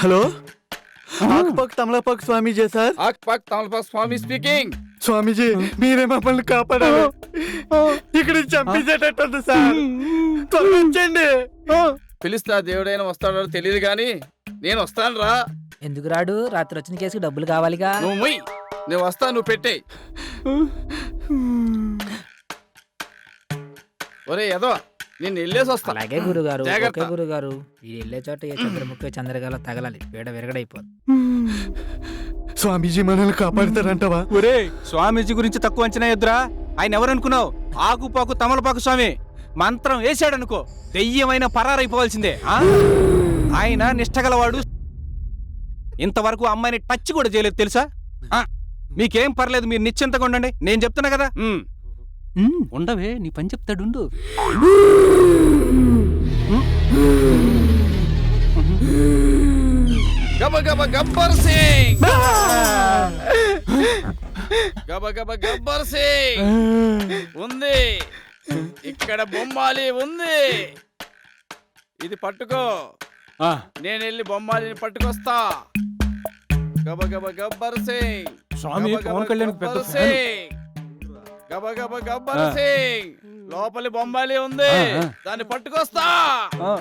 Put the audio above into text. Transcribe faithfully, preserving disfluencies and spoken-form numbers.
Hello, Akupak Tamalapak Swamiji sir. Akpak Tamalapak Swami speaking. Swamiji మీరే మమ్మల్ని కాపాడాలి. ఇక్కడ చంపించేటట్టుంది సార్. త్వరగా వచ్చండి. పిలిస్తే ఆ దేవుడైనా వస్తాడో తెలియదు గాని నేను వస్తాను రా. ఎందుకు రాడు? రాత్రి వచ్చిన కేసుకి డబ్బులు కావాలిగా. నువ్వు మొయ్, నేను వస్తా, నువ్వు పెట్టే. ఒరే ఏదో నేను వెళ్ళేసి వస్తా. అలాగే గురుగారు. జాగ్రత్త. ఓకే గురుగారు. వీడు వెళ్ళే చోట ఏ చంద్రముఖి చంద్రగాల తగలాలి. వేడ విరగడైపోదు. స్వామీజీ మనల్ని కాపాడతారంటవా? ఒరే, స్వామీజీ గురించి తక్కువ అంచనా ఎద్దురా. ఆయన ఎవరనుకున్నావు? ఆకుపాకు తమలపాకు స్వామి. మంత్రం వేసాడనుకో దెయ్యమైన పరారైపోవాల్సిందే. ఆ? ఆయన నిష్టగలవాడు. ఇంతవరకు అమ్మాయిని టచ్ కూడా చేయలేదు తెలుసా? ఆ, మీకేం పర్లేదు, మీరు నిశ్చింతగా ఉండండి. నేను చెప్తున్నా కదా. ఉమ్. ఉమ్, ఉండవే, నీ పని చెప్తాడు. ఉండు. గబ గబ గబ్బర్ సింగ్, గబ గబ గబ్బర్ సింగ్ ఉంది ఇక్కడ. బొమ్మాలి ఉంది, ఇది పట్టుకో. ఆ, నేను వెళ్ళి బొమ్మాలిని పట్టుకొస్తా. గబ గబ గబ్బర్ సింగ్, స్వామి గబ గబ పవన్ కళ్యాణ్ పెద్ద గబ్బర్ ఫ్యాను. సింగ్, గబ గబ గబ్బర్ ఆ. సింగ్. లోపలి బొమ్మాలి ఉంది, ఆ, ఆ. దాన్ని పట్టుకొస్తా. ఆ.